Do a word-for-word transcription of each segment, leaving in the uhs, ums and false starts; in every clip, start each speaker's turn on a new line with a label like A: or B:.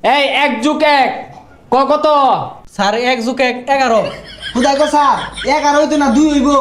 A: এই এক যুগ এক ক কত?
B: স্যার এক যুগ এক এগারো।
C: খুদাই কো স্যার এগারো হইতো না দুই হইব।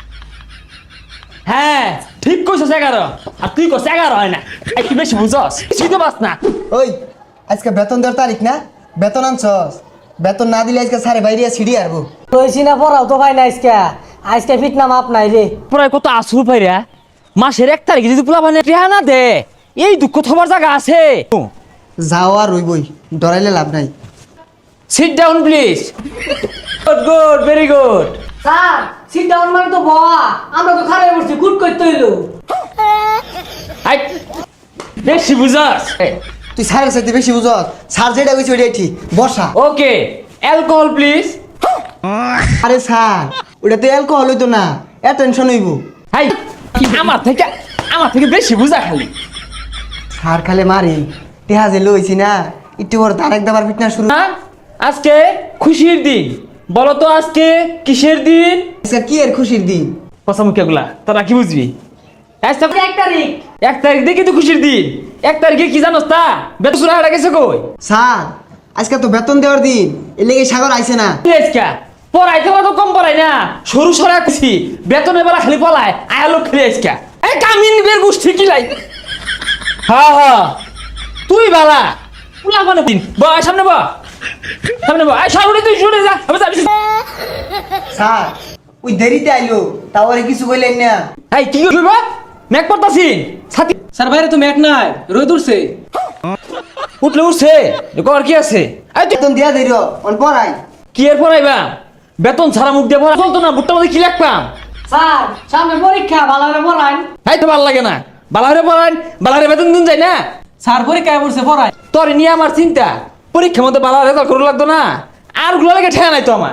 A: হ্যাঁ ঠিক কইছস এগারো, আর তুই কস এগারো হয় না। একটু বেশি বুঝছস, কিছুই তো বাস না।
C: ওই আজকে বেতন দেওয়ার তারিখ না, বেতন আনছস? বেতন না দিলে আজকে স্যারে বাইরে সিঁড়ি আরবো।
B: কইছি না পড়াও তো ভাই না আজকে আজকে ফিট না মাপ নাই রে।
A: প্রায় কত আসু পাইরা মাসের এক তারিখে যদি পোলা মানে রেহা না দে, এই দুঃখ থবার জায়গা আছে?
C: যাও আর রইবই, ডরাইলে লাভ নাই।
A: Sit down please. Good good very good.
B: Sir sit down মানে তো বাবা, আমরা তো খারাপ করছি গুড করতে হইলো।
A: আই বেশি বুঝছস।
C: তুই স্যারের সাথে বেশি বুঝস, স্যার যেটা কইছে ওইটাই ঠিক। বসা।
A: Okay alcohol please.
C: আরে স্যার ওটা তো অ্যালকোহল হইতো না, অ্যাটেনশন হইব।
A: হাই আমার থেকে আমার থেকে বেশি বুঝা খালি।
C: স্যার খালে মারি টেহা যে লইছি না, একটু পর তার একবার ফিটনেস শুরু।
A: না, আজকে খুশির দিন, বলো তো আজকে কিসের দিন?
C: আজকে কি এর খুশির দিন?
A: পছামুখিয়াগুলা তোরা কি বুঝবি? আজকে
B: এক তারিখ
A: এক তারিখ দেখি তো খুশির দিন। এক তারিখে কি জানোস তা? বেতন সুরা হারা গেছে কই?
C: স্যার আজকে তো বেতন দেওয়ার দিন, এর লেগে সাগর আইছে না।
A: আজকা পড়াইতে তো কম পড়াই না, সরু সরা খুশি বেতনের বেলা খালি পলায় আয়া লোক খেলে আজকা। এই কামিন বের গোষ্ঠী কি লাই? হ্যাঁ হ্যাঁ তুই বালা পুলা মানে দিন বা সামনে বা সামনে বা আই সামনে তুই শুনে যা আমি যাবি।
C: স্যার ওই দেরিতে আইলো, তাও আর কিছু কইলেন না।
A: এই কি করবা? মেক পড়তাছি ছাতি
B: স্যার বাইরে তো ম্যাক নাই, রোদ উঠছে।
A: উঠলে উঠছে কর কি আছে? এই তুই
C: বেতন দিয়া দেরি অন পড়াই।
A: কি এর পড়াইবা? বেতন ছাড়া মুখ দিয়ে পড়া চলতো না, বুটটা মধ্যে কি লিখবাম?
B: স্যার সামনে পরীক্ষা ভালো করে পড়ান।
A: এই তো ভালো লাগে না, বালারে পড়ান বালারে বেতন দিন যায় না।
B: স্যার পরীক্ষায় পড়ছে পড়ায়।
A: তোর নিয়ে আমার চিন্তা, পরীক্ষার মধ্যে বালা রেজাল্ট করে লাগতো না, আর গুলো লাগে ঠেয়া নাই তো আমার।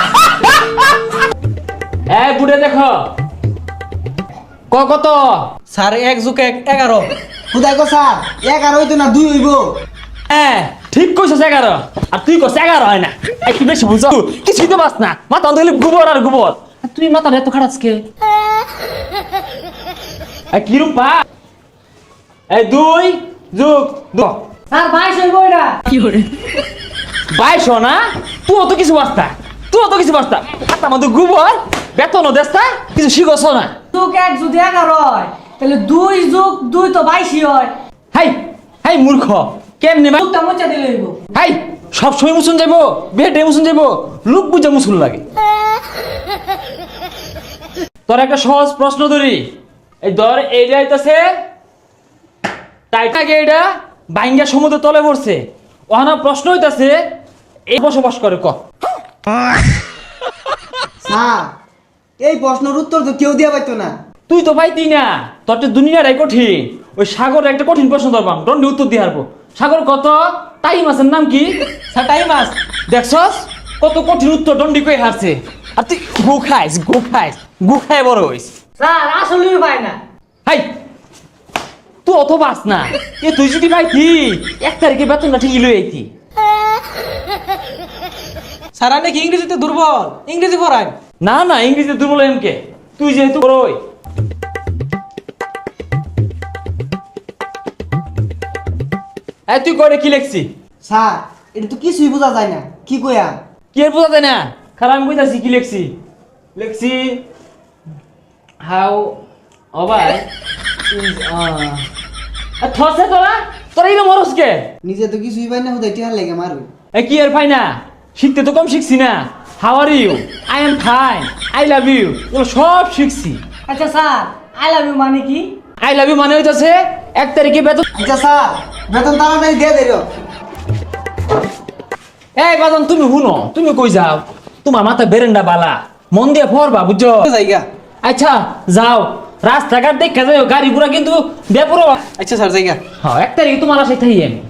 A: এই বুড়ে দেখো ক কত?
B: স্যার এক যুগ এক এগারো।
C: খুদাই কো স্যার এগারো হইতো না দুই হইব।
A: হ্যাঁ ঠিক কইছস এগারো, আর তুই কস এগারো হয় না। একটু বেশি বুঝছ, কিছুই তো বাস না, মাথা অন্ধ খালি গোবর আর গোবর। আর তুই মাথা এত খারাপ কে? এই কি রূপা? এই দুই যুগ দু
B: স্যার বাইশ হইব এটা।
A: বাইশ না, তুই অত কিছু বাস্তা, তুই অত কিছু বাস্তা হাত আমাদের গোবর বেতনও দেস্তা, কিছু শিখছ না।
B: যুগ এক যদি এগারো হয় তাহলে দুই যুগ দুই তো বাইশই হয়।
A: হাই হাই মূর্খ কেমনে বা?
B: যুগটা মুচা দিলে হইব।
A: হাই সব সময় মুসুন যাইবো, বেটে মুসুন যাইবো, লোক বুঝা মুসুন লাগে। তোর একটা সহজ প্রশ্ন ধরি, এই ধর এইটা হইতাছে টাইটাকে, এটা বাইঙ্গা সমুদ্র তলে পড়ছে। ওখানে প্রশ্ন হইতাছে এই বসবাস করে ক?
C: স্যার এই প্রশ্নের উত্তর তো কেউ দিয়া পাইতো না।
A: তুই তো পাইতি না, তোর তো দুনিয়াটাই কঠিন। ওই সাগর একটা কঠিন প্রশ্ন ধরবাম, দণ্ডে উত্তর দিয়ে হারবো। সাগর কত? টাই মাছের নাম কি?
B: স্যার টাইম মাস।
A: দেখছস কত কঠিন উত্তর দণ্ডি কই হারছে। আর তুই গু খাইস গু খাইস গু খাই বড় হইস।
B: স্যার আসলেই পায় না।
A: হাই তুই অত বাস না, এ তুই যদি পাইতি এক তারিখে বেতনটা ঠিকই লই আইতি।
B: স্যার আপনি কি ইংরেজিতে দুর্বল? ইংরেজি পড়ায়।
A: না না ইংরেজিতে দুর্বল এমকে, তুই যেহেতু বড়ই। এই তুই করে কি লেখছি?
C: স্যার এটা তো কিছুই বোঝা যায় না, কি কইয়া?
A: কি এর বোঝা যায় না? খারাপ আমি কইতাছি কি লেখছি। লেখছি হাউ অবাই ইজ থসে তোরা তোরা ইনো মরস কে?
C: নিজে তো কিছুই পাই না, হুদাই টেহা লেগে মারু।
A: এ কি এর ফাই না, শিখতে তো কম শিখছি না। How are you, I am fine, I love you, এগুলো সব শিখছি।
B: আচ্ছা স্যার আই লাভ ইউ মানে কি?
A: আই লাভ ইউ মানে হইতাছে এক তারিখে বেতন।
C: আচ্ছা স্যার বেতন তাড়াতাড়ি দিয়ে দেরো।
A: এই বাদন তুমি শুনো, তুমি কই যাও? তোমার মাথা বেরেন্ডা বালা, মন দিয়ে পড়বা বুঝছো?
B: জায়গা।
A: আচ্ছা যাও, রাস্তাঘাট দেখা যাও, গাড়ি ঘোড়া কিন্তু বেপরোয়া।
B: আচ্ছা স্যার জায়গা।
A: হ্যাঁ এক তারিখে তোমার আশায় থাই আমি।